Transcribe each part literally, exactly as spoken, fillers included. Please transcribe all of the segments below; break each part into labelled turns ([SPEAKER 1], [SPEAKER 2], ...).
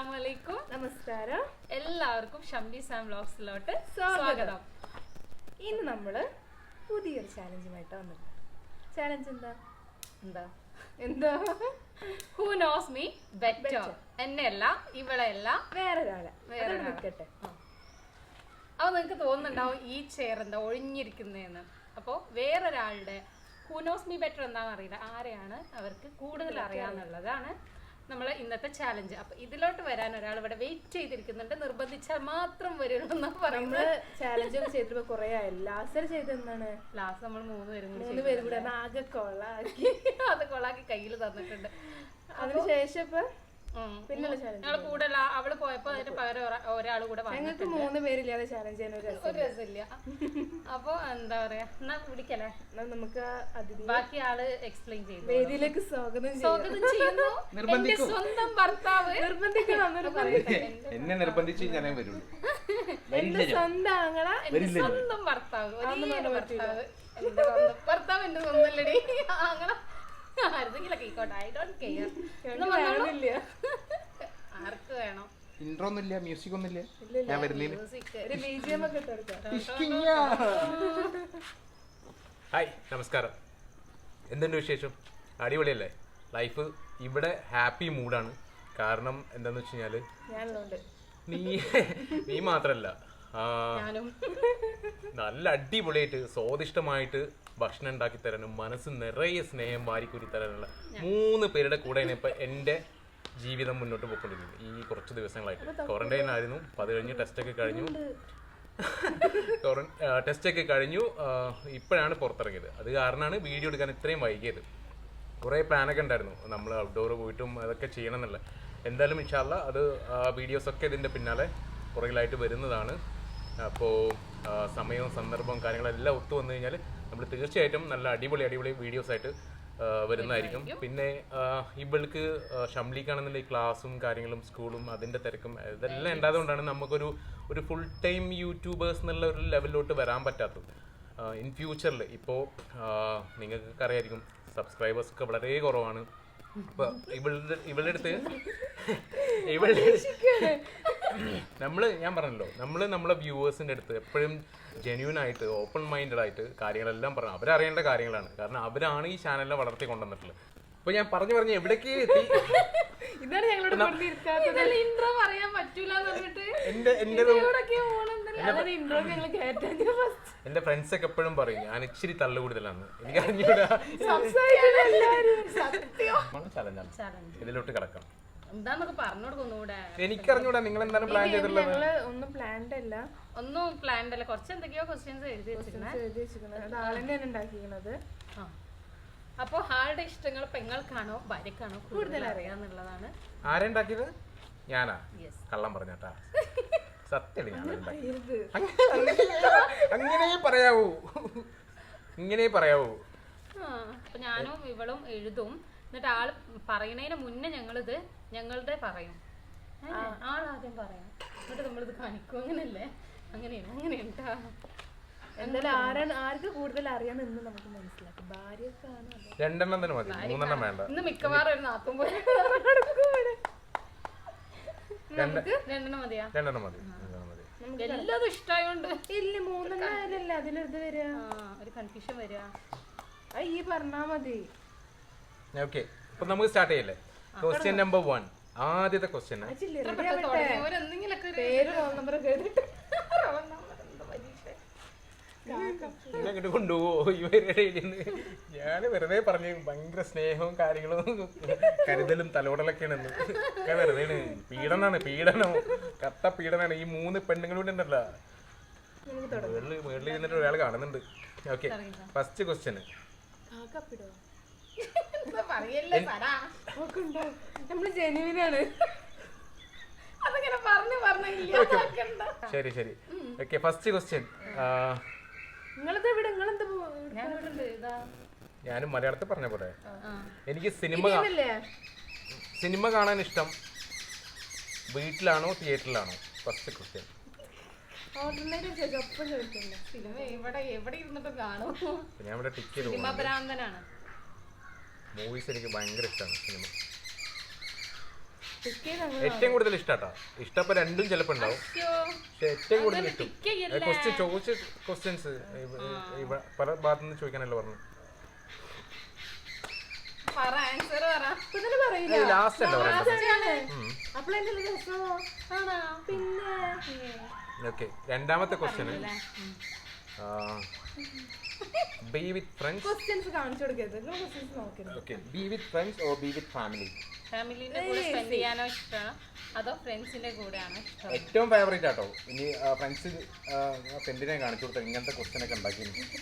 [SPEAKER 1] അസ്സലാമലൈക്കും.
[SPEAKER 2] നമസ്കാരം.
[SPEAKER 1] എല്ലാവർക്കും ഷംലി സാം വ്ലോഗ്സിലോട്ട് സ്വാഗതം.
[SPEAKER 2] ഇന്ന് നമ്മള് പുതിയൊരു ചാലഞ്ചുമായിട്ട് വന്നിട്ടുണ്ട്. ചാലഞ്ച് എന്താ
[SPEAKER 1] എന്താ
[SPEAKER 2] എന്താ
[SPEAKER 1] ഹൂ നോസ് മീ ബെറ്റർ. എന്നെയല്ല, ഇവളെയല്ല,
[SPEAKER 2] വേറൊരാളെ
[SPEAKER 1] വേറെ
[SPEAKER 2] നിൽക്കട്ടെ.
[SPEAKER 1] അപ്പൊ നിങ്ങക്ക് തോന്നുന്നുണ്ടാവും ഈ ചെയർ എന്താ ഒഴിഞ്ഞിരിക്കുന്നതെന്ന്. അപ്പോൾ വേറൊരാളുടെ ഹൂ നോസ് മീ ബെറ്റർ എന്താണെന്ന് അറിയില്ല, ആരെയാണ് അവർക്ക് കൂടുതൽ അറിയാന്നുള്ളതാണ് നമ്മളെ ഇന്നത്തെ ചാലഞ്ച്. അപ്പൊ ഇതിലോട്ട് വരാൻ ഒരാൾ ഇവിടെ വെയിറ്റ് ചെയ്തിരിക്കുന്നുണ്ട്. നിർബന്ധിച്ചാൽ മാത്രം വരുള്ളൂ എന്നാണ് പറയുന്നത്.
[SPEAKER 2] ചാലഞ്ച് ഒക്കെ ചെയ്തിട്ട് കുറെ ആയില്ല. ലാസ്റ്റ് ചെയ്തെന്നാണ്
[SPEAKER 1] ലാസ്റ്റ് നമ്മൾ മൂന്ന് പേരും കൂടി
[SPEAKER 2] മൂന്ന് പേരും കൂടെ ആകെ കൊള്ളാക്കി
[SPEAKER 1] അത് കൊള്ളാക്കി കയ്യിൽ തന്നിട്ടുണ്ട്.
[SPEAKER 2] അതിനുശേഷം ഇപ്പൊ
[SPEAKER 1] പിന്നുള്ള ഞങ്ങള് കൂടുതൽ അവള് പോയപ്പോ അതിന് പകരം ഒരാൾ കൂടെ
[SPEAKER 2] ഞങ്ങൾക്ക് മൂന്ന് പേരില്ലാതെ ചാലഞ്ച് ചെയ്യാൻ
[SPEAKER 1] ഒരു രസമില്ല. അപ്പൊ എന്താ പറയാ, എന്നാ പിടിക്കല്ലേ,
[SPEAKER 2] നമുക്ക്
[SPEAKER 1] ബാക്കി ആള് എക്സ്പ്ലെയിൻ ചെയ്തു.
[SPEAKER 2] വേദിയിലേക്ക് സ്വാഗതം
[SPEAKER 1] സ്വാഗതം ചെയ്യുന്നു എന്റെ സ്വന്തം ഭർത്താവ്.
[SPEAKER 2] നിർബന്ധിക്കണം
[SPEAKER 3] എന്നെ നിർബന്ധിച്ച് ഞാനേ വരുള്ളൂ.
[SPEAKER 2] എന്റെ സ്വന്തം ആങ്ങള,
[SPEAKER 1] എന്റെ സ്വന്തം ഭർത്താവ്, ഭർത്താവ് എന്റെ സ്വന്തം ഭർത്താവ് എന്റെ സ്വന്തമല്ലടി ആങ്ങള. ആർക്ക് വേണം?
[SPEAKER 3] ഇൻട്രോ ഒന്നുമില്ല, മ്യൂസിക് ഒന്നുമില്ല. ഞാൻ വരുന്നില്ല. ഹായ്, നമസ്കാരം. എന്തുണ്ട് വിശേഷം? അടിപൊളിയല്ലേ ലൈഫ്? ഇവിടെ ഹാപ്പി മൂഡാണ്. കാരണം എന്താന്ന് വെച്ച് കഴിഞ്ഞാല് നീ നീ മാത്രല്ല, നല്ല അടിപൊളിയായിട്ട് സ്വാദിഷ്ടമായിട്ട് ഭക്ഷണം ഉണ്ടാക്കി തരാനും മനസ്സ് നിറയെ സ്നേഹം വാരിക്കുരി തരാനുള്ള മൂന്ന് പേരുടെ കൂടെയാണ് ഇപ്പൊ എൻ്റെ ജീവിതം മുന്നോട്ട് പോയിക്കൊണ്ടിരിക്കുന്നത് ഈ കുറച്ച് ദിവസങ്ങളായിട്ട്. ക്വാറന്റൈൻ ആയിരുന്നു, അപ്പൊ അത് കഴിഞ്ഞ് ടെസ്റ്റൊക്കെ കഴിഞ്ഞു ടെസ്റ്റൊക്കെ കഴിഞ്ഞു ഇപ്പോഴാണ് പുറത്തിറങ്ങിയത്. അത് കാരണമാണ് വീഡിയോ എടുക്കാൻ ഇത്രയും വൈകിയത്. കുറേ പ്ലാനൊക്കെ ഉണ്ടായിരുന്നു, നമ്മൾ ഔട്ട്ഡോർ പോയിട്ടും അതൊക്കെ ചെയ്യണം എന്നുള്ള. എന്തായാലും ഇൻഷാ അല്ലാ അത് വീഡിയോസൊക്കെ ഇതിൻ്റെ പിന്നാലെ പുറകിലായിട്ട് വരുന്നതാണ്. അപ്പോൾ സമയവും സന്ദർഭവും കാര്യങ്ങളെല്ലാം ഒത്തു വന്നു കഴിഞ്ഞാൽ നമ്മൾ തീർച്ചയായിട്ടും നല്ല അടിപൊളി അടിപൊളി വീഡിയോസ് ആയിട്ട് വരുന്നതായിരിക്കും. പിന്നെ ഇവൾക്ക് ഷംലിക്കാണെന്നുണ്ടെങ്കിൽ ക്ലാസ്സും കാര്യങ്ങളും സ്കൂളും അതിൻ്റെ തിരക്കും ഇതെല്ലാം ഉണ്ടായതുകൊണ്ടാണ് നമുക്കൊരു ഒരു ഫുൾ ടൈം യൂട്യൂബേഴ്സ് എന്നുള്ള ഒരു ലെവലിലോട്ട് വരാൻ പറ്റാത്തത്. ഇൻ ഫ്യൂച്ചറിൽ ഇപ്പോൾ നിങ്ങൾക്ക് അറിയായിരിക്കും സബ്സ്ക്രൈബേഴ്സ് ഒക്കെ വളരെ കുറവാണ്. അപ്പോൾ ഇവളുടെ ഇവളുടെ അടുത്ത് ഇവളുടെ നമ്മള് ഞാൻ പറഞ്ഞല്ലോ, നമ്മള് നമ്മളെ വ്യൂവേഴ്സിന്റെ അടുത്ത് എപ്പോഴും ജെന്യൂൻ ആയിട്ട് ഓപ്പൺ മൈൻഡഡ് ആയിട്ട് കാര്യങ്ങളെല്ലാം പറഞ്ഞു അവരറിയേണ്ട കാര്യങ്ങളാണ്. കാരണം അവരാണ് ഈ ചാനലിനെ വളർത്തി കൊണ്ടുവന്നിട്ടുള്ളത്. അപ്പൊ ഞാൻ പറഞ്ഞു പറഞ്ഞു എവിടേക്ക് എത്തി.
[SPEAKER 1] ഇൻട്രോ പറയാൻ പറ്റൂല
[SPEAKER 3] എന്റെ എന്റെ ഫ്രണ്ട്സ് ഒക്കെ എപ്പോഴും പറയും ഞാൻ ഇച്ചിരി തള്ളു കൂടുതലാണ്. എനിക്ക് അറിഞ്ഞൂടാ. ഇതിലോട്ട് കിടക്കാം. എനിക്കറിഞ്ഞൂടാ നിങ്ങൾ എന്താണ് പ്ലാൻ ചെയ്തിട്ടുള്ളത്.
[SPEAKER 2] ഒന്നും പ്ലാൻഡ് അല്ല,
[SPEAKER 1] ഒന്നും പ്ലാൻഡ് അല്ല. കുറച്ച് എന്തൊക്കെയോ ക്വസ്റ്റ്യൻസ് എഴുതി വെച്ചിരിക്കുന്നത്
[SPEAKER 2] ഉണ്ടാക്കിയിരിക്കുന്നത്.
[SPEAKER 1] അപ്പൊ ആളുടെ ഇഷ്ടങ്ങൾ പെങ്ങൾക്കാണോ ഭാര്യക്കാണോ കൂടുതൽ അറിയാന്നുള്ളതാണ്.
[SPEAKER 3] ആരുണ്ടാക്കിയത്? ഞാനാ? കള്ളം പറഞ്ഞാട്ടാ, സത്യം. അങ്ങനെ പറയാവൂ, ഇങ്ങനെ പറയാവൂ.
[SPEAKER 1] അപ്പൊ ഞാനും ഇവളും എഴുതും, എന്നിട്ട് ആള് പറയണതിന് മുന്നേ ഞങ്ങളിത് ഞങ്ങളുടെ പറയും. ആളാദ്യം പറയാം, എന്നിട്ട് നമ്മളിത് കാണിക്കും. അങ്ങനല്ലേ? അങ്ങനെയാണ് അങ്ങനെയുണ്ടാ.
[SPEAKER 2] എന്തായാലും ആരാണ് ആർക്ക് കൂടുതൽ അറിയാമെന്ന് നമുക്ക് മനസ്സിലാക്കും. ഭാര്യക്കാണ്.
[SPEAKER 3] രണ്ടെണ്ണം തന്നെ മതി, മൂന്നെണ്ണം വേണ്ട.
[SPEAKER 1] ഇന്ന് മിക്കവാറും ഒരു നാത്തും പോലെ രണ്ടെണ്ണം മതിയാ?
[SPEAKER 3] രണ്ടെണ്ണം മതി.
[SPEAKER 1] എല്ലാതും ഇഷ്ടമായോണ്ട്
[SPEAKER 2] ഇല്ല, മൂന്നെണ്ണല്ല അതിലെടുത്ത് വരിക,
[SPEAKER 1] ഒരു കൺഫ്യൂഷൻ വരിക.
[SPEAKER 2] ഈ പറഞ്ഞാ മതി.
[SPEAKER 3] ഓക്കെ, അപ്പൊ നമുക്ക് സ്റ്റാർട്ട് ചെയ്യല്ലേ? Question number one. ആദ്യത്തെ ക്വസ്റ്റ്യൻ
[SPEAKER 2] പേര് റോൾ നമ്പർ
[SPEAKER 3] അങ്ങോട്ട് കൊണ്ടുപോവോ ഇവരുടെ? ഞാൻ വെറുതെ പറഞ്ഞു ഭയങ്കര സ്നേഹവും കാര്യങ്ങളും കരുതലും തലോടലൊക്കെയാണെന്ന്. വെറുതെ പീഡനാണ്, പീഡനം, കത്ത പീഡനാണ്. ഈ മൂന്ന് പെണ്ണുങ്ങളൂടെ ഉണ്ടല്ലോ മേളിൽ മേളിൽ ഇരുന്നിട്ട് ഒരാൾ കാണുന്നുണ്ട്. Okay, first question. ശരി ശരി ഓക്കെ, ഫസ്റ്റ് ക്വസ്റ്റ്യൻ. ഞാനും മലയാളത്തിൽ പറഞ്ഞ പോലെ എനിക്ക് സിനിമ സിനിമ കാണാൻ ഇഷ്ടം വീട്ടിലാണോ തിയേറ്ററിലാണോ? First question. ഞാൻ ഇവിടെ ടിക്ക് ചെയ്തു. മൂവീസ് എനിക്ക് ഭയങ്കര ഇഷ്ടമാണ്. സിനിമ
[SPEAKER 2] പിക്ക് ചെയ്ത്
[SPEAKER 3] ഏറ്റവും കൂടുതൽ ഇഷ്ടാട്ടോ. ഇഷ്ടപ്പോ രണ്ടും ചിലപ്പോ ഉണ്ടാവും,
[SPEAKER 1] അയ്യോ,
[SPEAKER 3] പക്ഷെ ഏറ്റവും കൂടുതൽ
[SPEAKER 1] അങ്ങനെ
[SPEAKER 3] ഇഷ്ടം
[SPEAKER 1] pick ചെയ്യല്ലേ.
[SPEAKER 3] ക്വസ്റ്റ്യൻ ചോദിച്ച ക്വസ്റ്റ്യൻസ് പല ഭാഗത്തുനിന്ന് ചോദിക്കാനല്ലോ പറഞ്ഞു.
[SPEAKER 1] പറ ആൻസർ പറ.
[SPEAKER 2] ഇപ്പൊ പറയില്ല.
[SPEAKER 3] ലാസ്റ്റ് അല്ല പറയുന്നത്.
[SPEAKER 2] അപ്പോഴെന്താ രസമോ?
[SPEAKER 1] ആണോ?
[SPEAKER 2] പിന്നെ
[SPEAKER 3] ഓക്കെ, രണ്ടാമത്തെ ക്വസ്റ്റ്യന് ബി വിത്ത് ഫ്രണ്ട്സ്.
[SPEAKER 2] ക്വസ്റ്റ്യൻസ് കാണിച്ചു കൊടുക്കരുത്, നിങ്ങൾ ക്വസ്റ്റ്യൻസ് നോക്കരുത്.
[SPEAKER 3] Okay, be with friends or be with family?
[SPEAKER 1] ഫാമിലിന്റെ കൂടെ സ്പെൻഡ് ചെയ്യാനോ ഇഷ്ടമാണ് അതോ ഫ്രണ്ട്സിന്റെ കൂടെയാണോ ഇഷ്ടം?
[SPEAKER 3] ഏറ്റവും ഫേവറേറ്റ് ആട്ടോ. ഇനി ഫ്രണ്ട്സ് ഫ്രണ്ടിനെ കാണിച്ചു കൊടുത്ത ഇങ്ങനത്തെ ക്വസ്റ്റ്യൻ ഒക്കെ ഉണ്ടാക്കി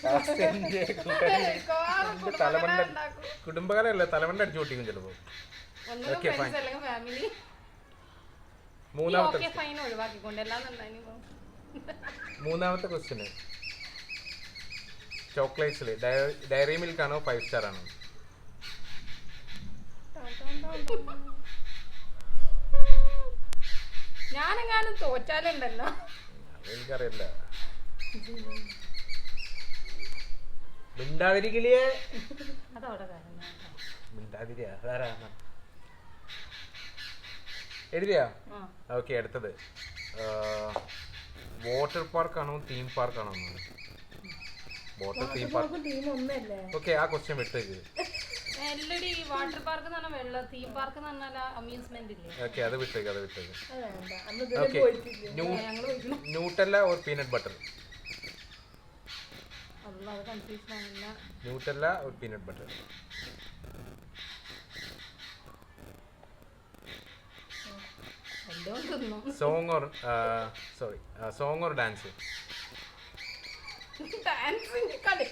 [SPEAKER 3] തലമണ്ട കുടുംബകാലല്ലേ തലമണ്ട അടിച്ചു പൊട്ടിക്കും ചിലപ്പോ.
[SPEAKER 1] ഒന്നുകിൽ ഫ്രണ്ട്സ് അല്ലെങ്കിൽ ഫാമിലി.
[SPEAKER 3] മൂന്നാമത്തെ
[SPEAKER 1] ഓക്കെ ഫൈൻ ഒഴിവാക്കിക്കൊണ്ട് എല്ലാം ഉണ്ടായിരുന്നു.
[SPEAKER 3] മൂന്നാമത്തെ ക്വസ്റ്റ്യന് ചോക്ലേറ്റ്സിൽ ഡയറി മിൽക്ക് ആണോ ഫൈവ് സ്റ്റാർ ആണോ?
[SPEAKER 1] ഞാനെങ്ങാനും തോറ്റാലുണ്ടല്ലോ.
[SPEAKER 3] എനിക്കറിയില്ല. മിണ്ടാതിരിക്കലേ
[SPEAKER 1] അതവിടെ കാര്യം.
[SPEAKER 3] മിണ്ടാതിരിയാ അതാരാ എഴുതിയാ? ഓക്കെ, അടുത്തത് വാട്ടർ പാർക്ക് ആണോ തീം പാർക്ക് ആണോ? Water theme park.
[SPEAKER 2] ടീം ഒന്നല്ലേ?
[SPEAKER 3] ഓക്കെ, ആ ക്വസ്റ്റ്യൻ വിട്ടേക്ക്.
[SPEAKER 1] എല്ലടി വാട്ടർ പാർക്ക് എന്ന് പറഞ്ഞാൽ വെള്ളം, തീം പാർക്ക് എന്ന് പറഞ്ഞാൽ അമ്യൂസ്മെന്റ് ഇല്ലേ?
[SPEAKER 3] ഓക്കെ, അത് വിട്ടേക്ക് അത് വിട്ടേക്ക്.
[SPEAKER 2] അത് വേണ്ട, അന്ന് ഇതുവരെ
[SPEAKER 3] ഓക്കെ,
[SPEAKER 2] പോയിട്ടില്ല.
[SPEAKER 3] Nutella or peanut butter?
[SPEAKER 1] അല്ല, അത് കൺഫ്യൂഷൻ ആവില്ല.
[SPEAKER 3] Nutella or peanut butter?
[SPEAKER 1] എല്ലാം തിന്നു.
[SPEAKER 3] Song or sorry song or dance?
[SPEAKER 1] ഡാൻസിന്റെ കളി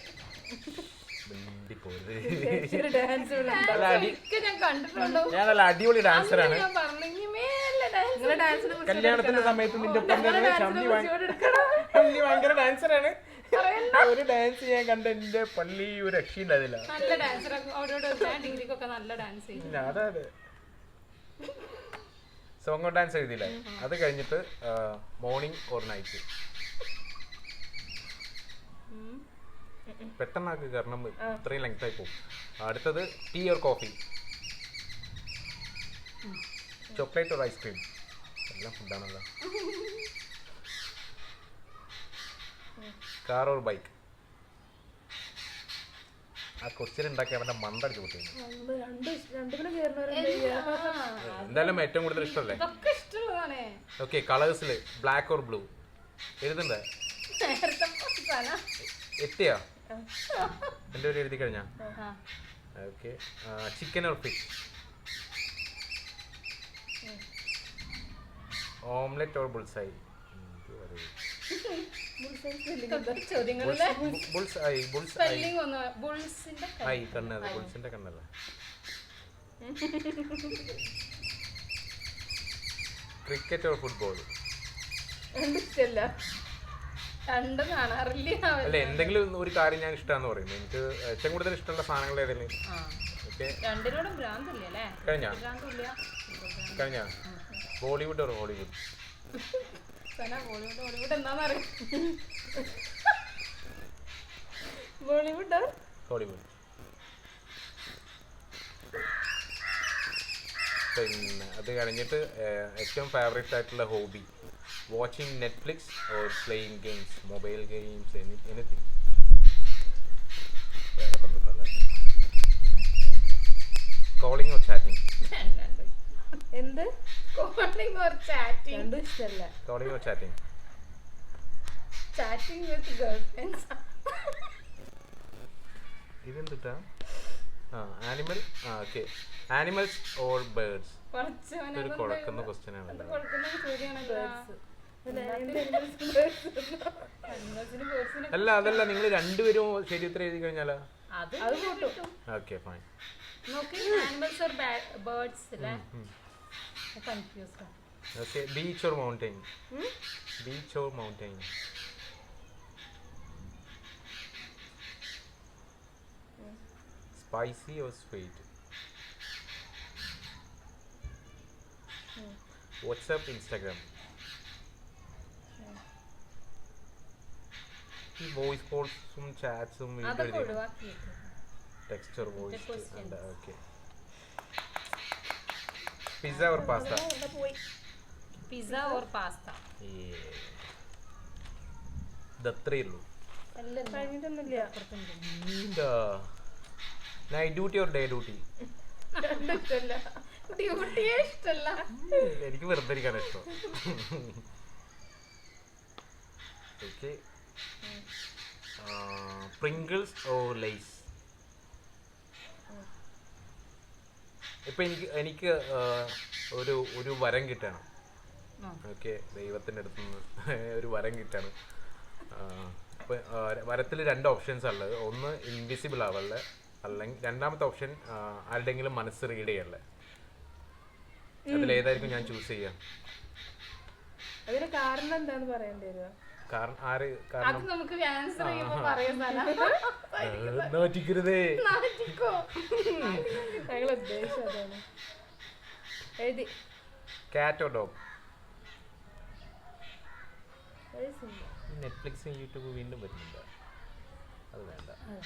[SPEAKER 2] ഡാൻസ്
[SPEAKER 1] ഞാൻ കണ്ടിട്ടുണ്ടോ?
[SPEAKER 3] ഞാൻ നല്ല അടിപൊളി ഡാൻസറാണ്.
[SPEAKER 1] ഞാൻ പറഞ്ഞു ഇനി മേലെ ഡാൻസ്.
[SPEAKER 2] നിങ്ങളുടെ ഡാൻസിനെ
[SPEAKER 3] കല്യാണത്തിന്റെ സമയത്ത് നിന്റെ ഒപ്പം തന്നെ ഷമ്മി ഷമ്മി ഭയങ്കര ഡാൻസറാണ്. ഒരു ഡാൻസ് ചെയ്യാൻ കണ്ട എന്റെ പള്ളി ഒരു രക്ഷയുണ്ടായിരുന്നില്ല.
[SPEAKER 1] നല്ല ഡാൻസർ അവരോട് ഡിഗ്രിക്കൊക്കെ നല്ല ഡാൻസ് ചെയ്യും.
[SPEAKER 3] ഇല്ല, അതെ അതെ സോങ് ഓർ ഡാൻസ് എഴുതിയില്ല. അത് കഴിഞ്ഞിട്ട് മോർണിംഗ് ഓർ നൈറ്റ്? പെട്ടെന്നാക്ക്, കാരണം ഇത്രയും ലെങ്ത് ആയി പോകും. അടുത്തത് tea or coffee? Chocolate or ice cream? എല്ലാം ഫുഡാണല്ലോ. Car or bike? ആ ക്വസ്റ്റ്യൻ ഉണ്ടാക്കി അവന്റെ മണ്ടടിച്ച് കൂട്ടിയിരുന്നു. എന്തായാലും ഏറ്റവും കൂടുതൽ ഇഷ്ടമല്ലേ?
[SPEAKER 1] ഇതൊക്കെ ഇഷ്ടമുള്ളതാണ്.
[SPEAKER 3] ഓക്കെ, കളേഴ്സിൽ ബ്ലാക്ക് ഓർ ബ്ലൂ എഴുതണ്ടേ?
[SPEAKER 1] നേരത്തെ അവസാനം.
[SPEAKER 3] എത്തിയാ എൻ്റെ ഒരു എഴുതി കഴിഞ്ഞാ? Okay, chicken or fish? Omelette or bullseye?
[SPEAKER 1] ചോദ്യങ്ങളിലെ
[SPEAKER 3] ബുൾസൈ ബുൾസൈ
[SPEAKER 1] സ്പെല്ലിംഗ് ഒന്ന് ബുൾസിന്റെ
[SPEAKER 3] ഐ കണ്ണത് ബുൾസിന്റെ കണ്ണല്ല. Cricket or football?
[SPEAKER 2] ഇഷ്ടല്ല,
[SPEAKER 1] രണ്ടും കാണാറില്ല.
[SPEAKER 3] അല്ല, എന്തെങ്കിലും ഒരു കാര്യം ഞാൻ ഇഷ്ടമാന്ന് പറയുന്നത്. എനിക്ക് ഏറ്റവും കൂടുതൽ ഇഷ്ടമുള്ള സാധനങ്ങൾ ഏതെങ്കിലും? ഓക്കെ,
[SPEAKER 1] രണ്ടിനോടും ഭ്രാന്തില്ല അല്ലേ?
[SPEAKER 3] കഴിഞ്ഞ
[SPEAKER 1] ഭ്രാന്തില്ല.
[SPEAKER 3] കഴിഞ്ഞ Bollywood or Hollywood?
[SPEAKER 1] Bollywood Bollywood എന്താണെന്നറിയാം.
[SPEAKER 2] Bollywood
[SPEAKER 3] Hollywood. പിന്നെ അത് കഴിഞ്ഞിട്ട് ഏറ്റവും ഫേവറേറ്റ് ആയിട്ടുള്ള hobby? Watching Netflix or playing games? Mobile games, anything. വേറെ ബന്ധത്തല്ല. Calling or chatting?
[SPEAKER 2] എന്ത്?
[SPEAKER 1] Calling or chatting?
[SPEAKER 2] രണ്ടും ഇഷ്ടല്ല.
[SPEAKER 3] Calling or chatting?
[SPEAKER 1] Chatting with girlfriends.
[SPEAKER 3] ഇതെന്താ? ആ ആനിമൽ. ആ ഓക്കെ, ആനിമൽസ് ഓർ ബേർഡ്സ്? ഒരു കുഴക്കുന്ന ക്വസ്റ്റ്യൻ ആണല്ലോ. അല്ല, അതല്ല, നിങ്ങൾ രണ്ടുപേരും ശരി ഉത്തരം എഴുതി കഴിഞ്ഞാലോ? Okay fine.
[SPEAKER 1] Animals or birds അല്ലേ? Confused.
[SPEAKER 3] Okay, beach or mountain? Beach or mountain? Spicy or sweet? WhatsApp, Instagram? ഈ വോയിസ് കോൾസും ചാറ്റ്സും video text or voice? Okay, pizza or pasta?
[SPEAKER 2] പോയി
[SPEAKER 1] പിസ്സ ഓർ പാസ്ത?
[SPEAKER 3] ഇതത്രേ ഉള്ളൂ.
[SPEAKER 2] കഴിഞ്ഞിട്ടൊന്നുമില്ല.
[SPEAKER 3] Night duty or day duty?
[SPEAKER 2] ഇഷ്ടല്ല,
[SPEAKER 1] ഡ്യൂട്ടിയെ ഇഷ്ടല്ല.
[SPEAKER 3] എനിക്ക് വെറുതെ ഇരിക്കാൻ ഇഷ്ടം. Okay, Pringles or Lay's? ഇപ്പൊ എനിക്ക് എനിക്ക് ഒരു ഒരു വരം കിട്ടണം. ഓക്കെ, ദൈവത്തിൻ്റെ അടുത്ത് നിന്ന് ഒരു വരം കിട്ടാണ്. ഇപ്പൊ വരത്തിൽ രണ്ട് ഓപ്ഷൻസ് ഉള്ളത്. ഒന്ന് ഇൻവിസിബിൾ ആവല്ലേ, അല്ലെങ്കിൽ രണ്ടാമത്തെ ഓപ്ഷൻ ആരുടെങ്കിലും മനസ്സ് റീഡ് ചെയ്യല്ലേ. അതിലേതായിരിക്കും ഞാൻ ചൂസ് ചെയ്യാം?
[SPEAKER 2] അതിന് കാരണം എന്താന്ന് പറയേണ്ടി വരുമോ?
[SPEAKER 3] കാരണം ആര്?
[SPEAKER 1] അത്
[SPEAKER 3] കാരണം
[SPEAKER 1] നമുക്ക് ആൻസർ ചെയ്യുമ്പോ പറയുന്നതല്ല.
[SPEAKER 3] നോറ്റിക്കരുതേ.
[SPEAKER 2] ഞങ്ങൾ ഉദ്ദേശിച്ചത് അതാണ്. എഴുതി.
[SPEAKER 3] Cat or dog?
[SPEAKER 2] Very simple.
[SPEAKER 3] നെറ്റ്ഫ്ലിക്സും യൂട്യൂബ് വീണ്ടും വരുന്നില്ല, അത് വേണ്ട.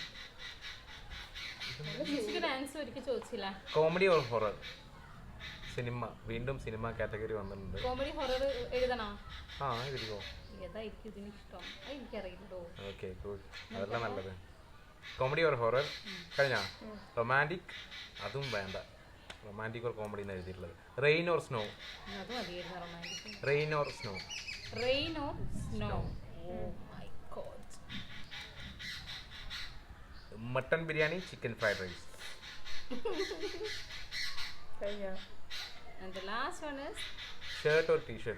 [SPEAKER 1] ആൻസർ ഒരിക്കൽ ചോദിച്ചില്ല.
[SPEAKER 3] Comedy or horror? സിനിമ, വീണ്ടും സിനിമ കാറ്റഗറി വന്നിട്ടുണ്ട്.
[SPEAKER 1] കോമഡി ഹൊറർ എഴുതണോ?
[SPEAKER 3] ആ എഴുതിക്കോ.
[SPEAKER 1] ഏതായിരിക്കും ഇതിന് ഇഷ്ടം? എനിക്കറിയില്ലോ.
[SPEAKER 3] ഓക്കെ, ഗുഡ്, അതല്ല നല്ലത്. കോമഡി ഓർ ഹൊറർ കഴിഞ്ഞാ? റൊമാൻറ്റിക്? അതും വേണ്ട. റൊമാൻറ്റിക് ഓർ കോമഡി എന്ന് എഴുതിയിട്ടുള്ളത്. Rain or snow?
[SPEAKER 1] അത് മതിയായിരുന്നു romantic.
[SPEAKER 3] Rain or snow?
[SPEAKER 1] Rain or snow? Oh my god.
[SPEAKER 3] Mutton biryani, chicken fried rice?
[SPEAKER 2] കഴിഞ്ഞോ?
[SPEAKER 1] And the last one is
[SPEAKER 3] shirt or T-shirt?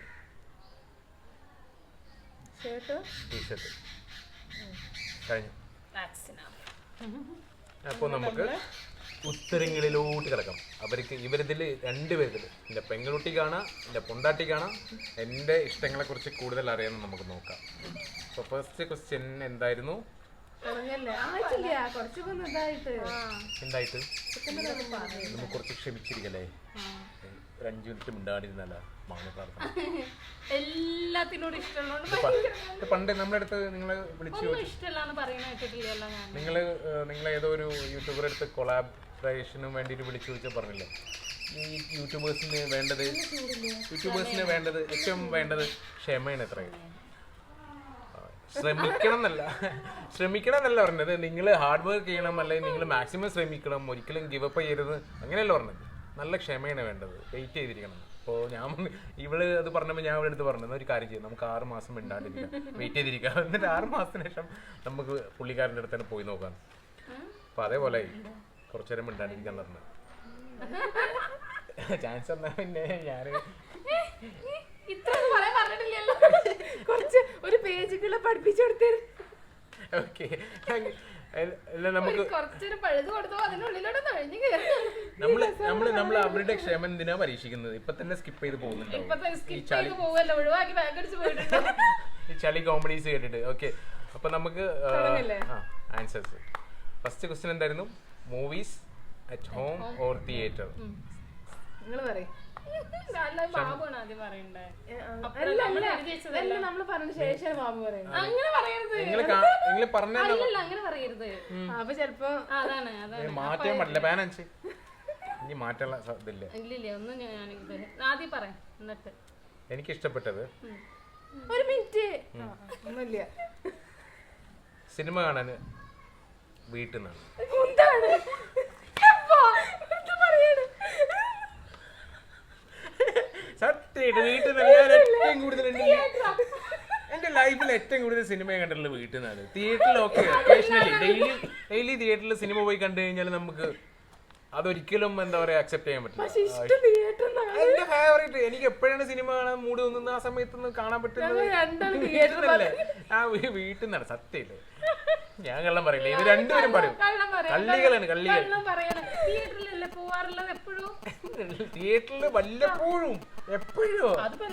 [SPEAKER 2] Shirt
[SPEAKER 3] T-shirt കഴിഞ്ഞു.
[SPEAKER 1] that's enough.
[SPEAKER 3] അപ്പോൾ നമുക്ക് ഉത്തരങ്ങളിലോട്ട് കിടക്കാം. അവർക്ക് ഇവരിതിൽ രണ്ടുപേരിൽ, എൻ്റെ പെങ്ങളുട്ടി കാണാം, എൻ്റെ പൊണ്ടാട്ടി കാണാം, എൻ്റെ ഇഷ്ടങ്ങളെക്കുറിച്ച് കൂടുതൽ അറിയാമെന്ന് നമുക്ക് നോക്കാം. അപ്പോൾ ഫസ്റ്റ് ക്വസ്റ്റ്യൻ എന്തായിരുന്നു?
[SPEAKER 2] പറഞ്ഞല്ലേ ആയിട്ടില്ല, കുറച്ചൊക്കെ ഒന്ന് ഇതായിട്ട്
[SPEAKER 3] എന്തായിട്ട് നമുക്ക് കുറച്ച് ക്ഷമിച്ചിരിക്കല്ലേ? ഒരു അഞ്ചു മിനിറ്റ് മിണ്ടാടിരുന്നല്ല മാങ്ങ പ്രാർത്ഥന.
[SPEAKER 1] എല്ലാത്തിനോടും ഇഷ്ടമുള്ളതുകൊണ്ട്
[SPEAKER 3] ഇത് പണ്ട് നമ്മുടെ അടുത്ത് നിങ്ങളെ വിളിച്ചു
[SPEAKER 1] ഒന്നും ഇഷ്ടമല്ലാന്ന് പറയണ കേട്ടിട്ടില്ലല്ലോ ഞാൻ.
[SPEAKER 3] നിങ്ങൾ നിങ്ങൾ ഏതോ ഒരു യൂട്യൂബറുടെ അടുത്ത് കൊളാബറേഷനും വേണ്ടിയിട്ട് വിളിച്ചു ചോദിച്ചാൽ പറഞ്ഞില്ലേ, ഈ യൂട്യൂബേഴ്സിന് വേണ്ടത് യൂട്യൂബേഴ്സിന് വേണ്ടത് ഏറ്റവും വേണ്ടത് ക്ഷമയാണ്. എത്രയും ശ്രമിക്കണം എന്നല്ല ശ്രമിക്കണം എന്നല്ല പറഞ്ഞത്, നിങ്ങൾ ഹാർഡ് വർക്ക് ചെയ്യണം, അല്ലെങ്കിൽ നിങ്ങൾ മാക്സിമം ശ്രമിക്കണം, ഒരിക്കലും ഗിവ് അപ്പ് ചെയ്യരുത്, അങ്ങനെയല്ല പറഞ്ഞത്. നല്ല ക്ഷമയാണ് വേണ്ടത്, വെയിറ്റ് ചെയ്തിരിക്കണം. അപ്പോൾ ഞാൻ ഇവള് അത് പറഞ്ഞപ്പോൾ ഞാൻ ഇവിടെ അടുത്ത് പറഞ്ഞത് ഒരു കാര്യം ചെയ്യും, നമുക്ക് ആറ് മാസം മിണ്ടാണ്ടിരിക്കാം, വെയിറ്റ് ചെയ്തിരിക്കാം, എന്നിട്ട് ആറ് മാസത്തിന് ശേഷം നമുക്ക് പുള്ളിക്കാരൻ്റെ അടുത്ത് തന്നെ പോയി നോക്കാം. അപ്പം അതേപോലെ കുറച്ചു നേരം മിണ്ടാണ്ടിരിക്കാൻ പറഞ്ഞു ചാൻസ് തന്നാൽ പിന്നെ ഞാൻ
[SPEAKER 2] കുറച്ച് ഒരു പേജുകളെ പഠിപ്പിച്ചു കൊടുത്തേ.
[SPEAKER 3] ഓക്കെ, നമുക്ക് നമ്മള് നമ്മള് നമ്മൾ അവരുടെ ക്ഷമ എന്തിനാ പരീക്ഷിക്കുന്നത്? ഇപ്പൊ തന്നെ സ്കിപ്പ് ചെയ്ത് പോകുന്നുണ്ടോ ഈ ചളി കോമഡീസ് കേട്ടിട്ട്? ഓക്കെ, അപ്പൊ നമുക്ക് ആൻസേഴ്സ്. ഫസ്റ്റ് ക്വസ്റ്റ്യൻ എന്തായിരുന്നു? Movies at home or theatre?
[SPEAKER 2] നിങ്ങൾ പറയും. നമ്മള് പറഞ്ഞ ശേഷം ബാബു പറയുന്നത്.
[SPEAKER 1] അങ്ങനെ പറയരുത്,
[SPEAKER 3] നിങ്ങൾ പറഞ്ഞ
[SPEAKER 1] അങ്ങനെ പറയരുത്.
[SPEAKER 2] അപ്പൊ ചെലപ്പോ
[SPEAKER 1] അതാണ് അതാണ്
[SPEAKER 3] മാറ്റാൻ പറ്റില്ല, ബാലൻസ് ഇനി മാറ്റാനുള്ള ഇതില്ല.
[SPEAKER 1] ഇല്ലില്ല, ഒന്നും ഞാൻ ആദ്യം പറയാം എന്നിട്ട്.
[SPEAKER 3] എനിക്ക് ഇഷ്ടപ്പെട്ടത്
[SPEAKER 2] ഒരു മിനിറ്റ് ഒന്നുമില്ല,
[SPEAKER 3] സിനിമ കാണാൻ വീട്ടിൽ നിന്നാണ്. സത്യമായിട്ട് വീട്ടിൽ നിന്ന് ഞാൻ ഏറ്റവും കൂടുതൽ എന്റെ ലൈഫിൽ ഏറ്റവും കൂടുതൽ സിനിമ കണ്ടിട്ടുള്ളത് വീട്ടിൽ നിന്നാണ്. തിയേറ്ററിൽ ഓക്കെ ഒക്കേഷണലി ഡെയിലി ഡെയിലി തിയേറ്ററിൽ സിനിമ പോയി കണ്ടു കഴിഞ്ഞാൽ നമുക്ക് അതൊരിക്കലും എന്താ പറയാ അക്സെപ്റ്റ് ചെയ്യാൻ പറ്റില്ല. എന്റെ ഫേവറേറ്റ്, എനിക്ക് എപ്പോഴാണ് സിനിമ കാണാൻ മൂഡ് തോന്നുന്നത് ആ സമയത്തൊന്നും കാണാൻ പറ്റുന്നത് തിയേറ്ററിലല്ലേ. ആ വീട്ടിൽ നിന്നാണ്. സത്യമില്ലേ, ഞാൻ കള്ളം പറയില്ല, ഇത് രണ്ടുപേരും പറയും. കള്ളികളാണ് കള്ളികൾ. തിയേറ്ററിൽ വല്ലപ്പോഴും എപ്പോഴും.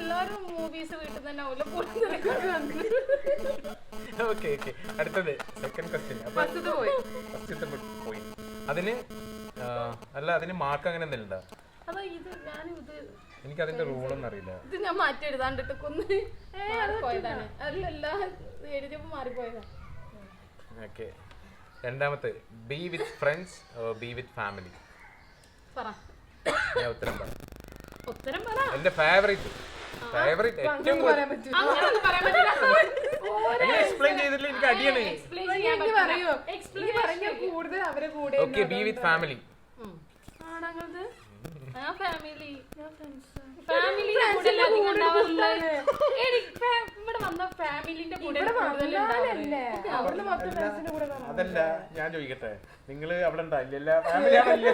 [SPEAKER 3] ഓക്കെ ഓക്കെ, അടുത്തത് സെക്കൻഡ് ക്വസ്റ്റ്യൻ. അപ്പൊ ഫസ്റ്റത്തെ പോയി അതിന് അല്ല, അതിന് മാർക്ക് അങ്ങനെ എന്തെങ്കിലും ഉണ്ടോ? എനിക്ക് അതിന്റെ റൂളൊന്നും അറിയില്ല.
[SPEAKER 1] ഇത് ഞാൻ മാറ്റി എഴുതാണ്ടിട്ട് കൊന്ന് പോയതാണ്, അല്ലല്ല എഴുതിയപ്പോ മാറിപ്പോയതാണ്.
[SPEAKER 3] ഓക്കെ, രണ്ടാമത്തെ be with friends be with family?
[SPEAKER 1] പറ.
[SPEAKER 3] ഞാൻ ഉത്തരം പറ.
[SPEAKER 1] ഉത്തരം പറ.
[SPEAKER 3] എന്റെ ഫേവറേറ്റ് ഫേവറേറ്റ് ഏറ്റവും
[SPEAKER 2] പറയാൻ പറ്റും
[SPEAKER 1] അങ്ങനെയൊന്നും പറയാൻ പറ്റില്ല.
[SPEAKER 3] എക്സ്പ്ലെയിൻ ചെയ്തിട്ടില്ല, എനിക്ക് അടിയാണ്.
[SPEAKER 1] Explain ചെയ്യാൻ പറ്റില്ല.
[SPEAKER 2] പറയോ
[SPEAKER 1] Explanation
[SPEAKER 2] പറഞ്ഞ കൂടുതൽ അവരെ കൂടെ
[SPEAKER 3] ഓക്കെ, ബി വിത്ത് ഫാമിലി.
[SPEAKER 1] ഉം.
[SPEAKER 2] ആണത്
[SPEAKER 1] ആ ഫാമിലി
[SPEAKER 2] ഞാൻ ഫ്രണ്ട്സ്
[SPEAKER 1] ഫാമിലിന്റെ കൂടെ അല്ലേ അധികം ഉണ്ടാവാറില്ല. എനിക്ക് ഫാ- ഇവിടെ വന്ന ഫാമിലിന്റെ കൂടെ കൂടുതൽ ഉണ്ടാവാറില്ല.
[SPEAKER 2] അവിടുന്ന് മൊത്തം ഫ്രണ്ട്സിന്റെ കൂടെ കാണാം.
[SPEAKER 3] അതല്ല, ഞാൻ ചോദിക്കട്ടെ, നിങ്ങള് അവിടെ ഉണ്ടായില്ല ഫാമിലി ആണല്ലോ.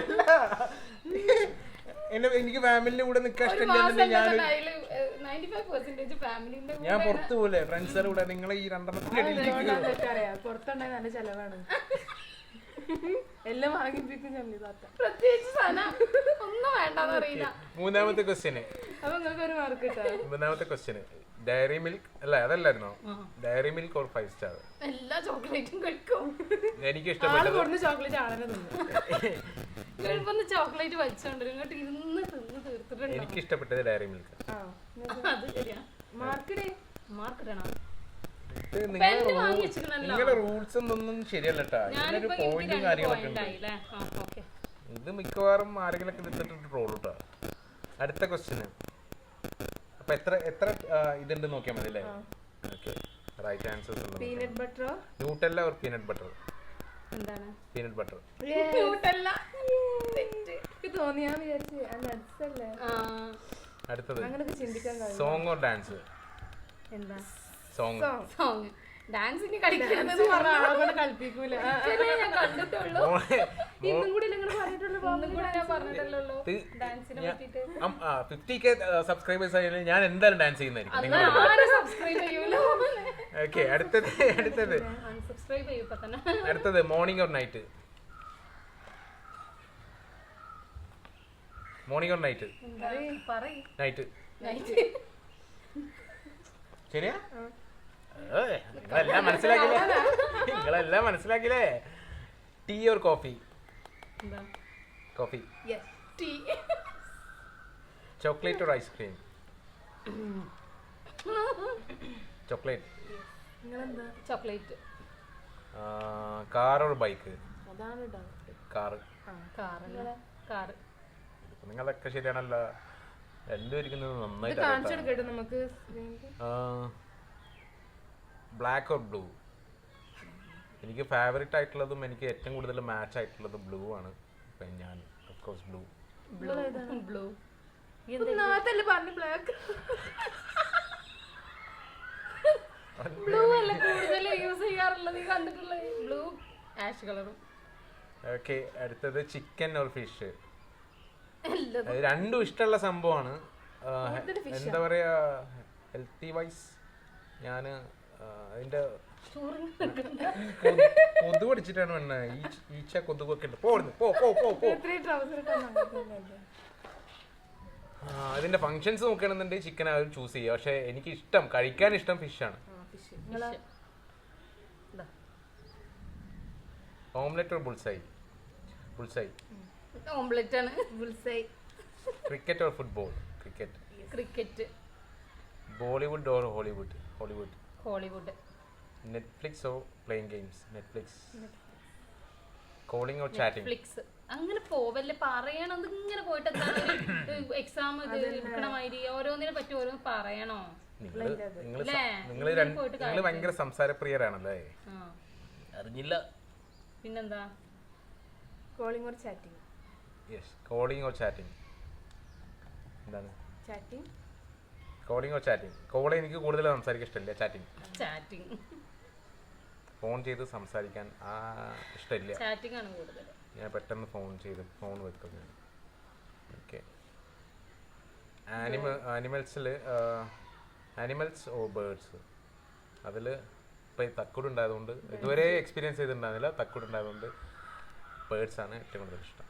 [SPEAKER 3] എന്നെ എനിക്ക് ഫാമിലിന്റെ കൂടെ നിൽക്കാൻ ഇഷ്ടമില്ല. ഞാൻ
[SPEAKER 1] ninety-five percentage ഫാമിലിന്റെ
[SPEAKER 3] ഞാൻ പുറത്തു പോലെ ഫ്രണ്ട്സിന്റെ കൂടെ നിങ്ങൾ ഈ രണ്ടെണ്ണത്തിന്റെ ഇടയിലേക്ക്
[SPEAKER 2] അറിയാം പുറത്തുണ്ടായ നല്ല ചെലവാണ് എല്ലാം വാങ്ങിപ്പിക്കും ചമ്മി താത്ത.
[SPEAKER 1] പ്രത്യേകിച്ച് സാധനം ഒന്നും വേണ്ടെന്ന് അറിയില്ല.
[SPEAKER 3] മൂന്നാമത്തെ ക്വസ്റ്റ്യന്
[SPEAKER 2] അപ്പൊ നിങ്ങൾക്ക് ഒരു മാർക്ക് കിട്ടാം.
[SPEAKER 3] മൂന്നാമത്തെ ക്വസ്റ്റ്യന് ഡയറി മിൽക്ക് അല്ല അതല്ലായിരുന്നോ? Dairy milk or five star?
[SPEAKER 1] എല്ലാ ചോക്ലേറ്റും കഴിക്കും.
[SPEAKER 3] എനിക്ക്
[SPEAKER 2] ആള്
[SPEAKER 3] ഇഷ്ടപ്പെട്ടത്
[SPEAKER 2] കൊടുന്ന് ചോക്ലേറ്റ് ആളെ തിന്നു.
[SPEAKER 1] എളുപ്പം ചോക്ലേറ്റ് വലിച്ചോണ്ടിരും ഇങ്ങോട്ട് ഇരുന്ന് തിന്ന് തീർത്തിട്ടുണ്ട്.
[SPEAKER 3] എനിക്ക് ഇഷ്ടപ്പെട്ടത് ഡയറി മിൽക്ക്.
[SPEAKER 2] ആ
[SPEAKER 1] അത് ശരിയാ.
[SPEAKER 2] മാർക്കിടേ
[SPEAKER 1] മാർക്ക് ഇടണം.
[SPEAKER 3] നിങ്ങളുടെ
[SPEAKER 1] വാങ്ങി വെച്ചിട്ടുണ്ടല്ലോ.
[SPEAKER 3] നിങ്ങളുടെ റൂൾസ് ഒന്നും ശരിയല്ല കേട്ടാ. ഇതിനൊരു
[SPEAKER 1] ഞാനിപ്പോ എനിക്ക്
[SPEAKER 3] പോയിന്റും
[SPEAKER 1] രണ്ട്
[SPEAKER 3] കാര്യങ്ങളൊക്കെ
[SPEAKER 1] പോയിന്റ്
[SPEAKER 3] ഉണ്ട്.
[SPEAKER 1] ആയില്ലേ? ആ, ഓക്കേ.
[SPEAKER 3] ഇത് മിക്കവാറും ആരെങ്കിലൊക്കെ എടുത്തിട്ട് റോൾ കേട്ടോ. അടുത്ത ക്വസ്റ്റ്യന് അപ്പൊ എത്ര എത്ര ആ, ഇതുണ്ട് നോക്കിയാൽ മതി അല്ലേ? ഓക്കെ, റൈറ്റ് ആൻസേഴ്സ് ഉണ്ട്.
[SPEAKER 2] പീനട്ട് ബട്ടറോ
[SPEAKER 3] ന്യൂട്ടല്ല ഓർ പീനട്ട് ബട്ടർ?
[SPEAKER 1] എന്താണ്
[SPEAKER 3] പീനട്ട് ബട്ടർ.
[SPEAKER 1] ക്യൂട്ടല്ല.
[SPEAKER 2] എനിക്ക് തോന്നി ഞാൻ വിചാരിച്ചു നട്സ് അല്ലേ
[SPEAKER 3] അടുത്തത്
[SPEAKER 2] അങ്ങനൊക്കെ ചിന്തിക്കാൻ കഴിയും.
[SPEAKER 3] Song or dance?
[SPEAKER 1] എന്താ
[SPEAKER 3] സോങ്.
[SPEAKER 1] സോങ് ഡാൻസിന് കളിക്കുന്നത്
[SPEAKER 2] പറഞ്ഞ ആളെ കളിപ്പിക്കൂല.
[SPEAKER 1] ഞാൻ കണ്ടിട്ടുള്ളൂ.
[SPEAKER 2] ഇന്നും കൂടി നിങ്ങൾ പറഞ്ഞിട്ടുള്ളൂ.
[SPEAKER 1] ഒന്നും കൂടെ ഞാൻ പറഞ്ഞിട്ടല്ലോ ഡാൻസിനെ പറ്റിട്ട്.
[SPEAKER 3] ഫിഫ്റ്റി കെ സബ്സ്ക്രൈബേഴ്സ് ആയാലും ഞാൻ എന്തായാലും ഡാൻസ് ചെയ്യുന്നതായിരിക്കും.
[SPEAKER 1] അന്ന് ആരും സബ്സ്ക്രൈബ് ചെയ്യൂലോ.
[SPEAKER 3] ഓക്കെ, അടുത്തത് അടുത്തത്
[SPEAKER 1] അൺസബ്സ്ക്രൈബ് ചെയ്യും ഇപ്പൊ തന്നെ.
[SPEAKER 3] അടുത്തത് morning or night? Morning or night?
[SPEAKER 1] പറയ്.
[SPEAKER 3] നൈറ്റ്.
[SPEAKER 1] നൈറ്റ്.
[SPEAKER 3] ശരിയാ? ഏയ്, നിങ്ങളെല്ലാം മനസ്സിലാക്കില്ലേ? നിങ്ങളെല്ലാം മനസ്സിലാക്കില്ലേ? Tea or coffee?
[SPEAKER 1] എന്താ?
[SPEAKER 3] Coffee.
[SPEAKER 2] Yes.
[SPEAKER 1] Tea.
[SPEAKER 3] Chocolate or ice cream? Chocolate.
[SPEAKER 2] നിങ്ങളെന്താ
[SPEAKER 1] ചോക്ലേറ്റ്.
[SPEAKER 3] Car or bike?
[SPEAKER 2] അതാണ് ഡൗട്ട്.
[SPEAKER 3] കാർ.
[SPEAKER 1] കാറ്. കാറ്.
[SPEAKER 3] നിങ്ങളൊക്കെ ശരിയാണല്ലോ. രണ്ടും ഇരിക്കുന്നത്
[SPEAKER 2] ഇത്
[SPEAKER 3] നന്നായിട്ട്
[SPEAKER 2] കാണിച്ചു കൊടുക്കട്ടെ നമുക്ക്.
[SPEAKER 3] Black or blue? എനിക്ക് ഫേവറേറ്റ് ആയിട്ടുള്ളതും എനിക്ക് ഏറ്റവും കൂടുതൽ മാച്ച് ആയിട്ടുള്ളതും ബ്ലൂ ആണ്. അപ്പം ഞാൻ ഓഫ്കോഴ്സ് ബ്ലൂ.
[SPEAKER 1] ബ്ലൂ.
[SPEAKER 2] നാത്തല്ലേ പറഞ്ഞു ബ്ലാക്ക്.
[SPEAKER 1] ബ്ലൂ അല്ല കൂടുതൽ യൂസ് ചെയ്യാറുള്ളത്. നീ കണ്ടിട്ടുള്ളത് ബ്ലൂ ആഷ് കളറും.
[SPEAKER 3] ഓക്കെ, അടുത്തത് ചിക്കൻ ഓർ ഫിഷ്?
[SPEAKER 1] എല്ലതും.
[SPEAKER 3] രണ്ടും ഇഷ്ടമുള്ള സംഭവമാണ്. എന്താ പറയാ, ഹെൽത്തി വൈസ് ഞാൻ അതിന്റെ കൊതു പഠിച്ചിട്ടാണ് വേണ്ട. ഈച്ച കൊതുകൊക്കെ ഉണ്ട്. പോടുന്നു പോ പോ പോ പോ.
[SPEAKER 2] ഇത്രയും ട്രൗസർ ഇട്ടാ
[SPEAKER 3] അതിന്റെ ഫങ്ഷൻസ് നോക്കുകയാണെന്നുണ്ടെങ്കിൽ ചിക്കൻ അവർ ചൂസ് ചെയ്യുക. പക്ഷെ എനിക്ക് ഇഷ്ടം കഴിക്കാൻ ഇഷ്ടം ഫിഷാണ്. Omelette or bullseye? Bullseye.
[SPEAKER 1] Omelette ആണ്.
[SPEAKER 2] Bullseye.
[SPEAKER 3] Cricket or football? Cricket.
[SPEAKER 1] Cricket.
[SPEAKER 3] Bollywood or Hollywood? Hollywood.
[SPEAKER 1] Hollywood.
[SPEAKER 3] Netflix or playing games? Netflix. Calling or chatting?
[SPEAKER 1] Netflix. അങ്ങനെ പോവല്ലേ പറയണത്. ഇങ്ങനെ പോയിട്ട് എക്സാം ഇത് എടുക്കണമാതിരി ഓരോന്നിനെ പറ്റി ഓരോന്ന് പറയണോ?
[SPEAKER 3] നിങ്ങൾ നിങ്ങൾ ഭയങ്കര സംസാരപ്രിയരാണല്ലേ? അറിഞ്ഞില്ല.
[SPEAKER 1] പിന്നെന്താ?
[SPEAKER 2] Calling or chatting?
[SPEAKER 3] Yes, calling or chatting. എന്താണ്
[SPEAKER 2] chatting?
[SPEAKER 3] Calling or chatting? Call എനിക്ക് കൂടുതൽ സംസാരിക്കാൻ ഇഷ്ടമില്ല. ചാറ്റിംഗ്.
[SPEAKER 1] ചാറ്റിംഗ്.
[SPEAKER 3] ഫോൺ ചെയ്ത് സംസാരിക്കാൻ ആ ഇഷ്ടമില്ല.
[SPEAKER 1] ചാറ്റിംഗ് ആണ് കൂടുതൽ.
[SPEAKER 3] ഞാൻ പെട്ടെന്ന് ഫോൺ ചെയ്ത് ഫോൺ വെക്കുന്നത്. ഓക്കെ, ആനിമൽ ആനിമൽസിൽ ആനിമൽസ് ഓർ ബേർഡ്സ്? അതിൽ ഇപ്പോൾ ഈ തക്കുട് ഉണ്ടായതുകൊണ്ട് ഇതുവരെ എക്സ്പീരിയൻസ് ചെയ്തിട്ടുണ്ടായിരുന്നില്ല. തക്കുട് ഉണ്ടായതുകൊണ്ട് ബേർഡ്സ് ആണ് ഏറ്റവും കൂടുതൽ ഇഷ്ടം.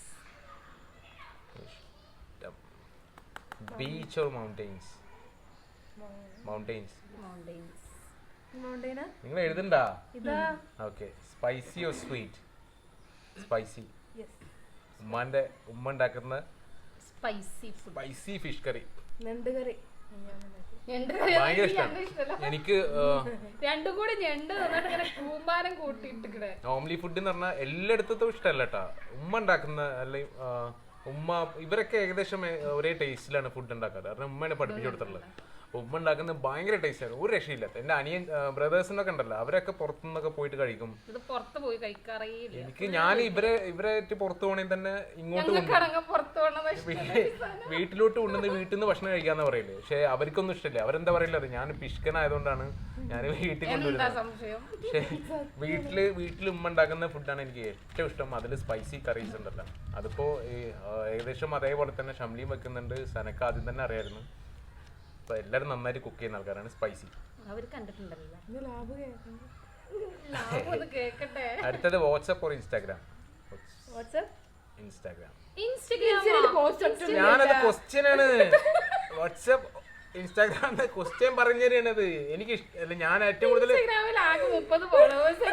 [SPEAKER 3] Beach or mountains? മൗണ്ടെയിൻസ്.
[SPEAKER 2] മൗണ്ടെയിനാ?
[SPEAKER 3] നിങ്ങൾ എഴുതണ്ടാ?
[SPEAKER 2] ഇതാ.
[SPEAKER 3] Okay, spicy or sweet? Spicy.
[SPEAKER 2] Yes.
[SPEAKER 3] ഉമ്മാന്റെ ഉമ്മ ഉണ്ടാക്കുന്ന
[SPEAKER 1] spicy food.
[SPEAKER 3] Spicy fish curry.
[SPEAKER 2] ഞണ്ട് കറി.
[SPEAKER 3] ഭയങ്കര ഇഷ്ടമാണ് എനിക്ക്.
[SPEAKER 1] രണ്ടും കൂടി ഞണ്ട് തന്നിട്ട് ഇങ്ങനെ കൂമ്പാരം കൂട്ടിയിട്ട്.
[SPEAKER 3] നോർമലി ഫുഡ് എന്ന് പറഞ്ഞാൽ എല്ലായിടത്തും ഇഷ്ടമല്ല കേട്ടാ. ഉമ്മ ഉണ്ടാക്കുന്ന അല്ലെങ്കിൽ ഉമ്മ ഇവരൊക്കെ ഏകദേശം ഏ- ഒരേ ടേസ്റ്റിലാണ് ഫുഡ് ഉണ്ടാക്കാറ് കാരണം ഉമ്മയാണ് പഠിപ്പിച്ചു കൊടുത്തിട്ടുള്ളത് അപ്പൊ ഉമ്മ ഉണ്ടാക്കുന്നത് ഭയങ്കര ടേസ്റ്റാണ് ഒരു രക്ഷയില്ലാത്ത എന്റെ അനിയൻ ബ്രദേഴ്സിനൊക്കെ ഉണ്ടല്ലോ അവരൊക്കെ പുറത്തുനിന്നൊക്കെ പോയിട്ട് കഴിക്കും
[SPEAKER 1] ഇത് പുറത്ത് പോയി കഴിക്കാറേയില്ല.
[SPEAKER 3] എനിക്ക് ഞാൻ ഇവരെ ഇവരായിട്ട് പുറത്തു പോകണമെങ്കിൽ തന്നെ ഇങ്ങോട്ട് കൊണ്ടുവരും.
[SPEAKER 1] ഞങ്ങൾക്കാണെങ്കിൽ പുറത്ത് പോകണമെന്ന് ഇഷ്ടമല്ല.
[SPEAKER 3] വീ- വീട്ടിലോട്ട് കൊണ്ടുവന്ന് വീട്ടിൽ നിന്ന് ഭക്ഷണം കഴിക്കാന്ന് പറയില്ലേ പക്ഷെ അവർക്കൊന്നും ഇഷ്ടമില്ല അവരെന്താ പറയില്ല അത് ഞാൻ പിഷ്കനായതുകൊണ്ടാണ് ഞാൻ വീട്ടിൽ
[SPEAKER 1] എന്താ
[SPEAKER 3] കൊണ്ടുവരുന്നത്
[SPEAKER 1] സംശയം?
[SPEAKER 3] പക്ഷെ വീട്ടില് വീട്ടിൽ ഉമ്മ ഉണ്ടാക്കുന്ന ഫുഡാണ് എനിക്ക് ഏറ്റവും ഇഷ്ടം അതിൽ സ്പൈസി കറീസ് ഉണ്ടല്ലോ അതിപ്പോ ഈ, ആ, ഏകദേശം അതേപോലെ തന്നെ ഷംലിയും വെക്കുന്നുണ്ട് സനക്ക് ആദ്യം തന്നെ അറിയായിരുന്നു അപ്പൊ എല്ലാവരും നന്നായിട്ട് കുക്ക് ചെയ്യുന്ന ആൾക്കാരാണ് സ്പൈസി
[SPEAKER 1] അവര് കണ്ടിട്ടുണ്ടല്ലോ.
[SPEAKER 2] ഇത് ലാഭ് കേൾക്കണം.
[SPEAKER 1] ലാഭം ഒന്ന് കേക്കട്ടെ.
[SPEAKER 3] അടുത്തത് WhatsApp or Instagram
[SPEAKER 2] WhatsApp
[SPEAKER 3] Instagram
[SPEAKER 1] Instagram
[SPEAKER 2] post
[SPEAKER 3] ഞാനത് ക്വസ്റ്റ്യൻ ആണ് വാട്സപ്പ് ഇൻസ്റ്റാഗ്രാം ക്വസ്റ്റ്യൻ പറഞ്ഞു തരണത് എനിക്ക് ഇഷ്ട- അല്ല ഞാൻ ഏറ്റവും കൂടുതൽ
[SPEAKER 1] ഇൻസ്റ്റഗ്രാമിൽ ആകെ മുപ്പത് ഫോളോവേഴ്സ്.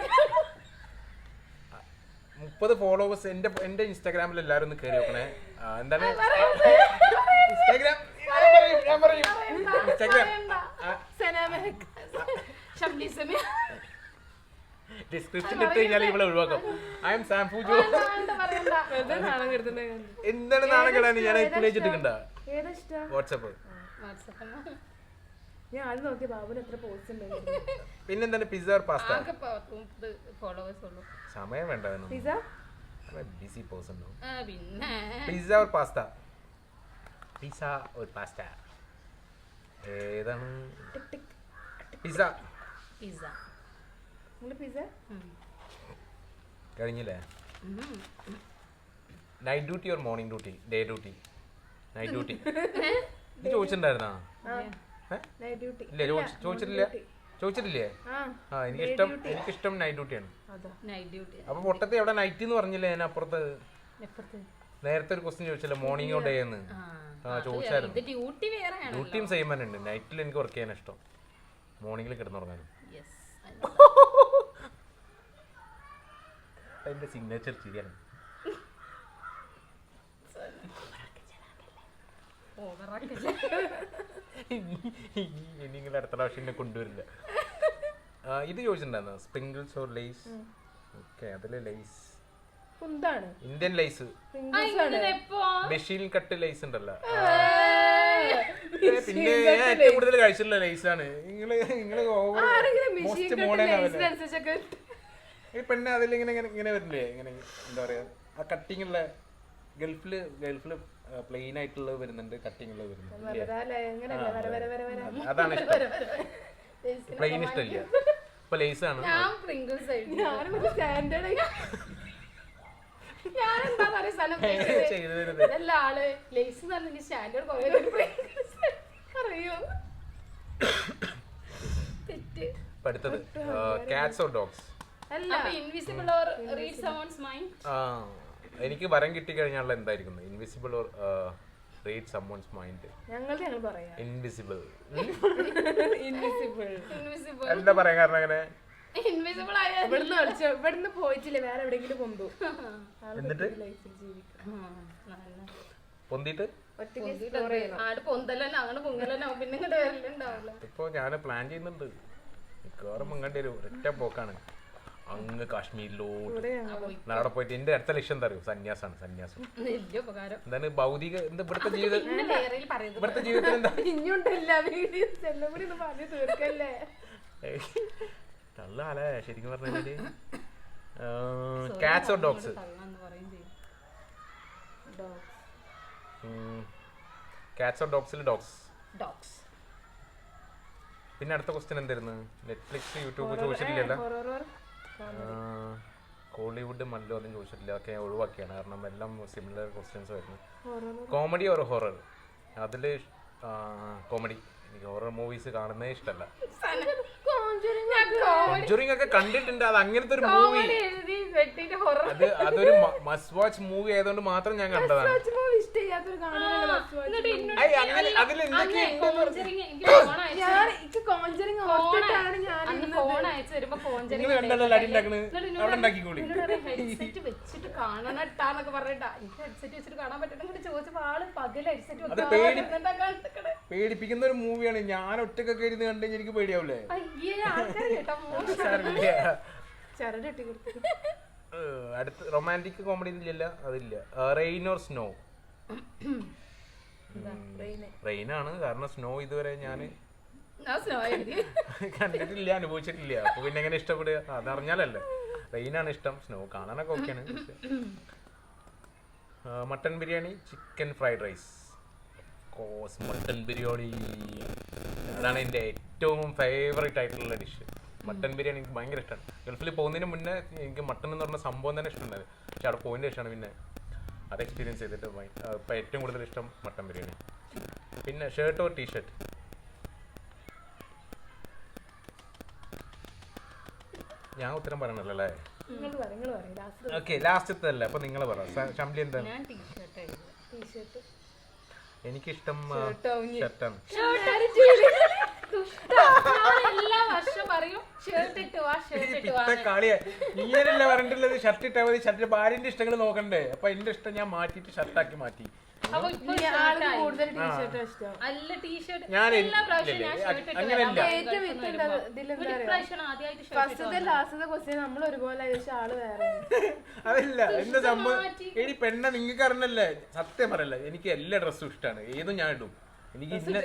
[SPEAKER 3] മുപ്പത് ഫോളോവേഴ്സ് എന്റെ എന്റെ ഇൻസ്റ്റാഗ്രാമിൽ എല്ലാവരും ഒന്ന് കയറി നോക്കണേ ആ, എന്താണ് ഇൻസ്റ്റാഗ്രാം ഞാൻ പറയും ഞാൻ പറയും ഇൻസ്റ്റാഗ്രാം ഡിസ്ക്രിപ്ഷൻ ഇട്ട് കഴിഞ്ഞാൽ ഇവിടെ ഒഴിവാക്കാം ഐ എം സാംഫു ജോ
[SPEAKER 2] വെറുതെ നാണം കെടുത്തുണ്ടേ
[SPEAKER 3] എന്താണ് നാളെ കേടാണ് ഞാൻ ഇട്ടുകണ്ട
[SPEAKER 2] ഏതാ ഇഷ്ടം?
[SPEAKER 3] വാട്സപ്പ്
[SPEAKER 2] ഞാൻ ആദ്യം നോക്കിയ ബാബുന് എത്ര പോസ്റ്റ് ഉണ്ട്.
[SPEAKER 3] പിന്നെന്താണ് പിസ്സ ഓർ പാസ്ത
[SPEAKER 1] ആകെ മുപ്പത് ഫോളോവേഴ്സ് ഉള്ളൂ.
[SPEAKER 3] സമയം വേണ്ട
[SPEAKER 2] പിസ്സ
[SPEAKER 3] ബിസി പേഴ്സൺ
[SPEAKER 1] ആ, പിന്നെ
[SPEAKER 3] pizza or pasta pizza or pasta ഏതാണ് പിസ്സ
[SPEAKER 1] പിസ്സ.
[SPEAKER 2] നിങ്ങള് പിസ്സ
[SPEAKER 3] കഴിഞ്ഞില്ലേ night duty or morning duty day duty night duty ഇത് ചോദിച്ചിട്ടുണ്ടായിരുന്നാ
[SPEAKER 2] നൈറ്റ് ഡ്യൂട്ടി
[SPEAKER 3] ഇല്ല ചോദിച്ച- ചോദിച്ചിട്ടില്ല ചോദിച്ചിട്ടില്ലേ
[SPEAKER 2] ആ
[SPEAKER 3] ആ എനിക്കിഷ്ടം എനിക്കിഷ്ടം നൈറ്റ് ഡ്യൂട്ടിയാണ്
[SPEAKER 2] അതാ
[SPEAKER 1] നൈറ്റ് ഡ്യൂട്ടി.
[SPEAKER 3] അപ്പൊ പൊട്ടത്തെ എവിടെ നൈറ്റ് എന്ന് പറഞ്ഞില്ലേ ഞാൻ അപ്പുറത്ത്
[SPEAKER 1] എപ്പുറത്ത്?
[SPEAKER 3] നേരത്തെ ഒരു ക്വസ്റ്റ്യൻ ചോദിച്ചല്ലേ മോർണിംഗോ ഡേ എന്ന്
[SPEAKER 1] ആ,
[SPEAKER 3] ആ
[SPEAKER 1] ഇത്
[SPEAKER 3] ചോദിച്ചായിരുന്നു
[SPEAKER 1] ഡ്യൂട്ടി വേറെയാണ്.
[SPEAKER 3] ഡ്യൂട്ടിയും സെയിം തന്നെ ഉണ്ട് നൈറ്റിൽ എനിക്ക് വർക്ക് ചെയ്യാൻ ഇഷ്ടം മോർണിംഗിൽ കിടന്നുറങ്ങാനും
[SPEAKER 1] യെസ്.
[SPEAKER 3] അതിന്റെ സിഗ്നേച്ചർ ശരിയാണ്
[SPEAKER 1] ഓവറാക്കല്ലേ.
[SPEAKER 3] ഇനി നിങ്ങൾ അടുത്ത പ്രാവശ്യം എന്നെ കൊണ്ടുവരില്ല ആ, ഇത് ചോദിച്ചിട്ടുണ്ടായിരുന്നു സ്പ്രിങ്കിൾസ് ഓർ ലേസ് ഓക്കെ അതില് ലേസ്
[SPEAKER 2] എന്താണ്
[SPEAKER 3] ഇന്ത്യൻ ലേസ്
[SPEAKER 1] ആ, ഇതിനെപ്പോ?
[SPEAKER 3] മെഷീൻ കട്ട് ലേസ് ഉണ്ടല്ലോ പിന്നെ ഞാൻ ഏറ്റവും കൂടുതൽ കഴിച്ചിട്ടുള്ള ലേസ് ആണ് നിങ്ങള് നിങ്ങള് മോസ്റ്റ് മോഡേൺ ആവല്ലേ
[SPEAKER 2] അനുസരിച്ചൊക്കെ
[SPEAKER 3] ഈ പെണ്ണ് അതിൽ ഇങ്ങനെ ഇങ്ങനെ ഇങ്ങനെ വരില്ലേ ഇങ്ങനെ എന്താ പറയാ ആ കട്ടിങ് ഉള്ള ഗൾഫില് ഗൾഫില് പ്ലെയിൻ ആയിട്ടുള്ളത് വരുന്നുണ്ട് കട്ടിങ് ഉള്ളത് വരുന്നുണ്ട് ഇല്ലേ?
[SPEAKER 2] എങ്ങനെയല്ല വര വര വര വര
[SPEAKER 3] അത് അതാണ് ഇഷ്ടം പ്ലെയിൻ ഇഷ്ടമില്ല ഇപ്പൊ ലേസ് ആണ്
[SPEAKER 1] ഞാൻ പ്രിങ്കിൾസ് എഴുതി.
[SPEAKER 2] ഞാനൊരു സ്റ്റാൻഡേർഡ്
[SPEAKER 1] ഞാൻ എന്താ പറയാ സ്ഥലം
[SPEAKER 3] ചെയ്തു തരുന്നത്
[SPEAKER 1] ഇതല്ല ആള് ലേസ് പറഞ്ഞ സ്റ്റാൻഡേർഡ് കുറേ അറിയോ തെറ്റ്.
[SPEAKER 3] ഇപ്പൊ അടുത്തത് കാറ്റ്സ് ഓർ ഡോഗ്സ്
[SPEAKER 2] അല്ല
[SPEAKER 1] അപ്പൊ invisible or read someone's mind.
[SPEAKER 3] ആ എനിക്ക് വരം കിട്ടിക്കഴിഞ്ഞാൽ എന്തായിരിക്കും invisible or read someone's mind
[SPEAKER 2] ഞങ്ങളുടെ ഞങ്ങൾ പറയാ
[SPEAKER 3] ഇൻവിസിബിൾ
[SPEAKER 2] ഇൻവിസിബിൾ
[SPEAKER 1] ഇൻവിസിബിൾ
[SPEAKER 3] എന്താ പറയാ കാരണം അങ്ങനെ
[SPEAKER 1] ഇൻവിസിബിൾ ആയ
[SPEAKER 2] ഇവിടുന്ന് കളിച്ച ഇവിടുന്ന് പോയിട്ടില്ല വേറെ എവിടെയെങ്കിലും കൊണ്ടു
[SPEAKER 3] എന്നിട്ട്
[SPEAKER 2] ലൈഫിൽ ജീവിക്കാം
[SPEAKER 3] പൊന്തിട്ട്
[SPEAKER 2] ഒറ്റയ്ക്ക് എക്സ്പ്ലോർ ചെയ്യണം
[SPEAKER 1] ആട് പൊന്തലന്നെ അങ്ങനെ പൊങ്ങലന്നെ പിന്നെ ഇങ്ങോട്ട് വരലുണ്ടാവില്ല.
[SPEAKER 3] ഇപ്പൊ ഞാൻ പ്ലാൻ ചെയ്യുന്നുണ്ട് മിക്കവാറും അങ്ങോട്ട് ഒരു ഒറ്റ പോക്കാണ് അങ്ങ് കാശ്മീരിലോട്ട്
[SPEAKER 2] ഇവിടെ ഞങ്ങൾ
[SPEAKER 3] അവിടെ പോയിട്ട് എന്റെ അടുത്ത ലക്ഷ്യം എന്താ അറിയോ സന്യാസാണ് സന്യാസം
[SPEAKER 1] വലിയ ഉപകാരം.
[SPEAKER 3] എന്താണ് ഭൗതിക എന്താ ഇവിടുത്തെ ജീവിതം
[SPEAKER 1] പിന്നെ വേറെ പറയുന്നത്
[SPEAKER 3] ഇവിടുത്തെ ജീവിതത്തിൽ എന്താ
[SPEAKER 2] ഇനിയുണ്ടല്ല വീഡിയോസ് എല്ലാം കൂടി ഒന്ന് പറഞ്ഞു തീർക്കല്ലേ
[SPEAKER 3] നല്ലല്ലേ ശരിക്കും പറഞ്ഞാല് കാറ്റ്സ് ഓർ ഡോഗ്സ്
[SPEAKER 1] തള്ളാന്ന് പറയും ചെയ്യും.
[SPEAKER 3] കാറ്റ്സ് ഓർ ഡോഗ്സിൽ ഡോഗ്സ്
[SPEAKER 1] ഡോഗ്സ്.
[SPEAKER 3] പിന്നെ അടുത്ത ക്വസ്റ്റ്യൻ എന്തായിരുന്നു നെറ്റ്ഫ്ലിക്സ് യൂട്യൂബ് ചോദിച്ചിട്ടില്ലല്ലോ
[SPEAKER 2] ഹൊറർ
[SPEAKER 3] കോളിവുഡ് മല്ലോ ഒന്നും ചോദിച്ചിട്ടില്ല ഒക്കെ ഞാൻ ഒഴിവാക്കിയാണ് കാരണം എല്ലാം സിമിലർ ക്വസ്റ്റ്യൻസ് ആയിരുന്നു
[SPEAKER 2] ഹൊറർ
[SPEAKER 3] കോമഡി ഓർ ഹൊറർ അതിൽ കോമഡി എനിക്ക് ഹൊറർ മൂവീസ് കാണുന്നേ ഇഷ്ടമല്ല കോഞ്ചറിങ് ഒക്കെ കണ്ടിട്ടുണ്ട് അത് അങ്ങനത്തെ ഒരു മൂവി
[SPEAKER 1] എഴുതി വെട്ടിട്ട് ഹൊറർ.
[SPEAKER 3] അത് അതൊരു മസ്റ്റ് വാച്ച് മൂവി ആയതുകൊണ്ട് മാത്രം ഞാൻ കണ്ടതാണ്
[SPEAKER 2] ഇഷ്ടമില്ലാത്തൊരു കാണാനുള്ള
[SPEAKER 3] ഐ, അങ്ങനെ അതിൽ എന്തൊക്കെ
[SPEAKER 2] ഞാൻ എനിക്ക് കോഞ്ചറിങ് ഓർത്തിട്ടാണ് ഞാൻ
[SPEAKER 1] അന്ന് ഫോൺ അയച്ചു വരുമ്പോ കോഞ്ചറിങ്
[SPEAKER 3] നിങ്ങൾ കണ്ടല്ലോ അടി ഉണ്ടാക്കണ് അവിടെ ഉണ്ടാക്കിക്കോളി
[SPEAKER 1] ഹെഡ്സെറ്റ് വെച്ചിട്ട് കാണണട്ടാന്നൊക്കെ പറഞ്ഞിട്ടാ എനിക്ക് ഹെഡ്സെറ്റ് വെച്ചിട്ട് കാണാൻ പറ്റണം ഇങ്ങോട്ട് ചോദിച്ചപ്പോ ആള് പകൽ ഹെഡ്സെറ്റ്
[SPEAKER 3] അത് പേടി പേടിപ്പിക്കുന്ന ഒരു മൂവിയാണ് ഞാൻ ഒറ്റക്കൊക്കെ ഇരുന്ന് കണ്ടു എനിക്ക് പേടിയാവൂലേ
[SPEAKER 1] അയ്യേ ആൾക്കാര് കേട്ടോ മോശം.
[SPEAKER 3] സാരമില്ല.
[SPEAKER 2] ചരട് ഇട്ടി കൊടുത്തു
[SPEAKER 3] ഏഹ്, അടുത്ത റൊമാൻറ്റിക് കോമഡി ഇല്ലല്ല അതില്ല റെയിൻ ഓർ സ്നോ റെയിനാണ്, കാരണം സ്നോ ഇതുവരെ ഞാൻ
[SPEAKER 1] ഞാൻ സ്നോ എഴുതി.
[SPEAKER 3] കണ്ടിട്ടില്ല, അനുഭവിച്ചിട്ടില്ല. അപ്പൊ പിന്നെ എങ്ങനെ ഇഷ്ടപ്പെടുക? അതറിഞ്ഞാലല്ലേ. റെയിനാണ് ഇഷ്ടം, സ്നോ കാണാനൊക്കെ ഓക്കെയാണ്. Mutton biryani, chicken fried rice, cause mutton biryani അതാണ് എൻ്റെ ഏറ്റവും ഫേവറേറ്റ് ആയിട്ടുള്ള ഡിഷ്. മട്ടൻ ബിരിയാണി എനിക്ക് ഭയങ്കര ഇഷ്ടമാണ്. ഗൾഫിൽ പോകുന്നതിന് മുന്നേ എനിക്ക് മട്ടൺ എന്ന് പറഞ്ഞ സംഭവം തന്നെ ഇഷ്ടമുണ്ടായത്. പക്ഷെ അവിടെ പോയതിൻ്റെ ശേഷമാണ് പിന്നെ അത് എക്സ്പീരിയൻസ് ചെയ്തിട്ട് ഇപ്പം ഏറ്റവും കൂടുതൽ ഇഷ്ടം മട്ടൻ ബിരിയാണി. പിന്നെ ഷർട്ട് ഓർ ടീഷർട്ട്? ഞാൻ ഉത്തരം പറയണല്ലോ അല്ലേ? ഓക്കെ, ലാസ്റ്റത്തെ അല്ലേ, അപ്പൊ നിങ്ങൾ പറ. ഷംലി എന്താണ്? എനിക്കിഷ്ടം ഷർട്ടാണ്.
[SPEAKER 1] എല്ലാ വർഷം പറയും ഷർട്ട് ഇട്ട് വാ, ഷർട്ട് ഇട്ട് വാ.
[SPEAKER 3] കളിയാ നീയല്ല പറഞ്ഞിട്ടുള്ളത്. ഷർട്ട് ഇട്ടാ മതി. ഷർട്ട് ഭാര്യന്റെ ഇഷ്ടങ്ങൾ നോക്കണ്ടേ? അപ്പൊ എന്റെ ഇഷ്ടം ഞാൻ മാറ്റിട്ട് ഷർട്ടാക്കി മാറ്റി.
[SPEAKER 1] അപ്പൊ ഇപ്പൊ
[SPEAKER 2] കൂടുതൽ ടീഷർട്ട് ഇഷ്ടം.
[SPEAKER 1] അല്ല ടീഷർട്ട്
[SPEAKER 3] ഞാൻ
[SPEAKER 1] എല്ലാ പ്രാവശ്യം ഞാൻ ഷർട്ട് ഇട്ട്
[SPEAKER 3] അങ്ങനെയല്ല.
[SPEAKER 2] ഏറ്റവും
[SPEAKER 1] ഇപ്രാവശ്യം ആദ്യമായിട്ട്
[SPEAKER 2] ഫസ്റ്റത്തെ ലാസ്റ്റത്തെ ക്വസ്റ്റ്യൻ നമ്മൾ ഒരുപോലെ ആള് വേറെ.
[SPEAKER 3] അതല്ല എന്താ സംഭവം. എടി പെണ്ണ നിങ്ങൾക്ക് അറിഞ്ഞല്ലേ, സത്യം പറയല്ല, എനിക്ക് എല്ലാ ഡ്രസ്സും ഇഷ്ടമാണ്. ഏതും ഞാൻ ഇടും. എനിക്ക് ഇന്ന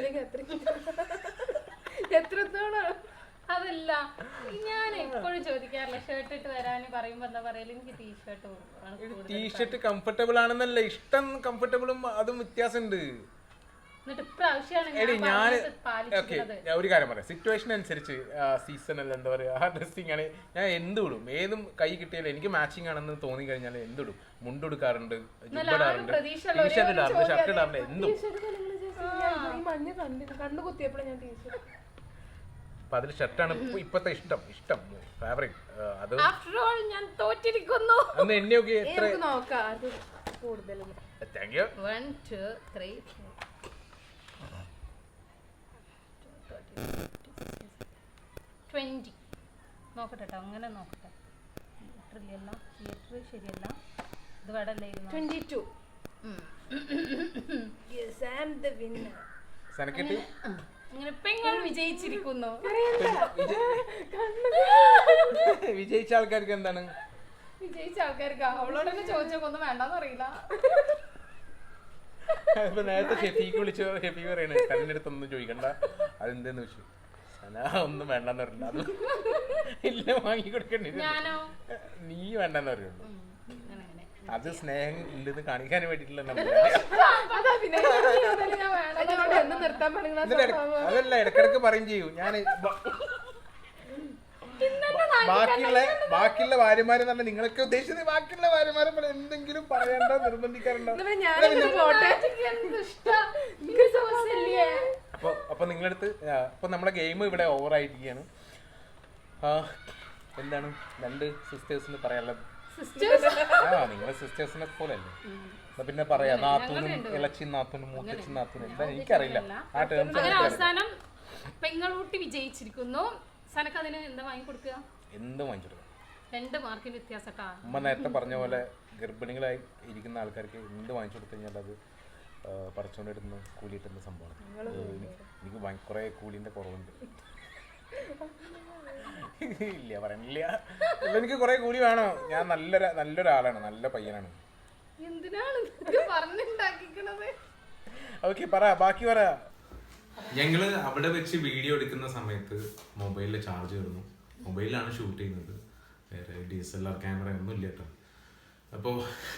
[SPEAKER 2] എത്രത്തോളം
[SPEAKER 1] അതല്ല ഞാൻ എപ്പോഴും ചോദിക്കാറില്ല ഷർട്ട് ഇട്ട് വരാന് പറയുമ്പോ എന്താ പറയല്, എനിക്ക് ടീഷർട്ട്.
[SPEAKER 3] ടീഷർട്ട് കംഫർട്ടബിൾ ആണെന്നല്ല, ഇഷ്ടം കംഫർട്ടബിളും അതും വ്യത്യാസമുണ്ട്.
[SPEAKER 1] എന്നിട്ട് ഇപ്രാവശ്യമാണ്
[SPEAKER 3] എടി ഞാൻ ഓക്കെ
[SPEAKER 1] പാലിച്ചത്.
[SPEAKER 3] ഞാൻ ഒരു കാര്യം പറയാം. സിറ്റുവേഷൻ അനുസരിച്ച് സീസണൽ എന്താ പറയുക, ആ ഡ്രസ്സിങ് ആണ് ഞാൻ എന്തിടും. ഏതും കൈ കിട്ടിയാലും എനിക്ക് മാച്ചിങ് ആണെന്ന് തോന്നി കഴിഞ്ഞാൽ എന്തിടും. മുണ്ടെടുക്കാറുണ്ട്, ജുബ്ബിടാറുണ്ട്, ടീഷർട്ട് ഇടാറുണ്ട്, ഷർട്ട് ഇടാറുണ്ട്, എന്തും.
[SPEAKER 2] മഞ്ഞ കണ്ടിട്ട് കണ്ണു കുത്തിയപ്പോഴും ഞാൻ ടീഷർട്ട്.
[SPEAKER 3] അപ്പൊ അതിൽ ഷർട്ടാണ് ഇപ്പത്തെ ഇഷ്ടം ഇഷ്ടം ഫേവറേറ്റ്. അത്
[SPEAKER 1] ആഫ്റ്റർ ഓൾ ഞാൻ തോറ്റിരിക്കുന്നു.
[SPEAKER 3] അന്ന് എന്നെയൊക്കെ എത്ര
[SPEAKER 2] നോക്കാം അത് കൂടുതലും.
[SPEAKER 3] Thank you.
[SPEAKER 1] One two three twenty നോക്കട്ടെ ട്ടോ, അങ്ങനെ നോക്കട്ടെ. തിയേറ്ററിലല്ല, തിയേറ്റർ ശരിയല്ല, ഇത് വടല്ലായിരുന്നു.
[SPEAKER 2] Twenty two. Yes I am the winner.
[SPEAKER 3] സനക്കിട്ടി
[SPEAKER 1] അങ്ങനെ പെങ്ങൾ വിജയിച്ചിരിക്കുന്നു.
[SPEAKER 3] വിജയിച്ച ആൾക്കാർക്ക് എന്താണ്?
[SPEAKER 1] വിജയിച്ച ആൾക്കാർക്ക് അവളോട് തന്നെ ചോദിച്ചൊക്കെ ഒന്നും വേണ്ടെന്ന് അറിയില്ല.
[SPEAKER 3] ഇപ്പൊ നേരത്തെ ഷെഫീക്ക് വിളിച്ചു, ഷെഫീക്ക് പറയണേ തന്നെ അടുത്തൊന്നും ചോദിക്കണ്ട, അതെന്തെന്ന് വെച്ചു. സന ഒന്നും വേണ്ടെന്ന് പറഞ്ഞില്ല. അത് ഇല്ല വാങ്ങി കൊടുക്കണ്ടേ,
[SPEAKER 1] ഞാനോ
[SPEAKER 3] നീ വേണ്ടെന്ന് പറയുള്ളൂ. അത് സ്നേഹം ഉണ്ടെന്ന് കാണിക്കാൻ വേണ്ടിട്ടുള്ള അതല്ല, ഇടക്കിടക്ക് പറയും ചെയ്യൂ. ഞാൻ ബാക്കിയുള്ള ബാക്കിയുള്ള ഭാര്യമാരെ തന്നെ നിങ്ങളൊക്കെ ഉദ്ദേശിച്ചത് ബാക്കിയുള്ള ഭാര്യമാരെ പോലെ എന്തെങ്കിലും പറയണ്ടോ നിർബന്ധിക്കാറുണ്ടോ? അപ്പൊ അപ്പൊ നിങ്ങളടുത്ത് അപ്പൊ നമ്മളെ ഗെയിം ഇവിടെ ഓവർ ആയിരിക്കുകയാണ്. എന്താണ് രണ്ട് സിസ്റ്റേഴ്സിന് പറയാനുള്ളത്? ആ നിങ്ങളെ സിസ്റ്റേഴ്സിനെ പോലെ അല്ലേ? പിന്നെ പറയാ നാത്തൂനും ഇളച്ചി നാത്തൂനും മൂത്തച്ചി നാത്തൂനും എന്താ എനിക്കറിയില്ല ആ ടേംസ്.
[SPEAKER 1] അങ്ങനെ അവസാനം പെങ്ങളൂട്ടി വിജയിച്ചിരിക്കുന്നു. സനക്ക് അതിന് എന്താ വാങ്ങി കൊടുക്കുക?
[SPEAKER 3] എന്ത് വാങ്ങിച്ചെടുക്കാം.
[SPEAKER 1] രണ്ട് മാർക്കിന് വ്യത്യാസട്ടാ.
[SPEAKER 3] അമ്മ നേരത്തെ പറഞ്ഞ പോലെ ഗർഭിണികളായി ഇരിക്കുന്ന ആൾക്കാർക്ക് എന്ത് വാങ്ങിച്ചു കൊടുത്തു കഴിഞ്ഞാൽ അത് പറിച്ചുകൊണ്ടിരുന്ന കൂലിയിട്ടുന്ന സംഭവമാണ്. എനിക്ക് കുറെ കൂലിന്റെ കുറവുണ്ട്. ഇല്ല പറയണില്ല, എനിക്ക് കുറെ കൂലി വേണോ? ഞാൻ നല്ലൊരു നല്ലൊരാളാണ്, നല്ല പയ്യനാണ്.
[SPEAKER 1] എന്തിനാണ് പറഞ്ഞുണ്ടാക്കിക്കണത്?
[SPEAKER 3] ഓക്കെ പറ, ബാക്കി പറ. ഞങ്ങള് അവിടെ വെച്ച് വീഡിയോ എടുക്കുന്ന സമയത്ത് മൊബൈലിലെ ചാർജ് കയറുന്നു. മൊബൈലിലാണ് ഷൂട്ട് ചെയ്യുന്നത്, വേറെ D S L R camera ഒന്നും ഇല്ല കേട്ടോ. അപ്പോൾ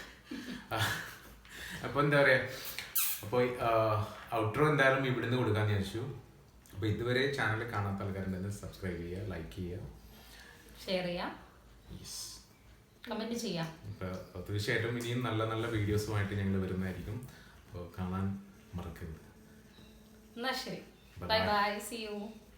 [SPEAKER 3] അപ്പോൾ എന്താ പറയുക, അപ്പോൾ ഔട്ട്രോ എന്തായാലും ഇവിടുന്ന് കൊടുക്കാമെന്ന് വിചാരിച്ചു. അപ്പോൾ ഇതുവരെ ചാനൽ കാണാത്ത ആൾക്കാരുണ്ടെങ്കിൽ സബ്സ്ക്രൈബ് ചെയ്യുക, ലൈക്ക് ചെയ്യുക,
[SPEAKER 1] ഷെയർ ചെയ്യാം, കമന്റ് ചെയ്യാം.
[SPEAKER 3] അപ്പോൾ തീർച്ചയായിട്ടും ഇനിയും നല്ല നല്ല വീഡിയോസുമായിട്ട് ഞങ്ങൾ വരുന്നതായിരിക്കും. അപ്പോൾ കാണാൻ മറക്കരുത്.
[SPEAKER 1] എന്നാ ശരി, ബൈ ബൈ, സീ യു.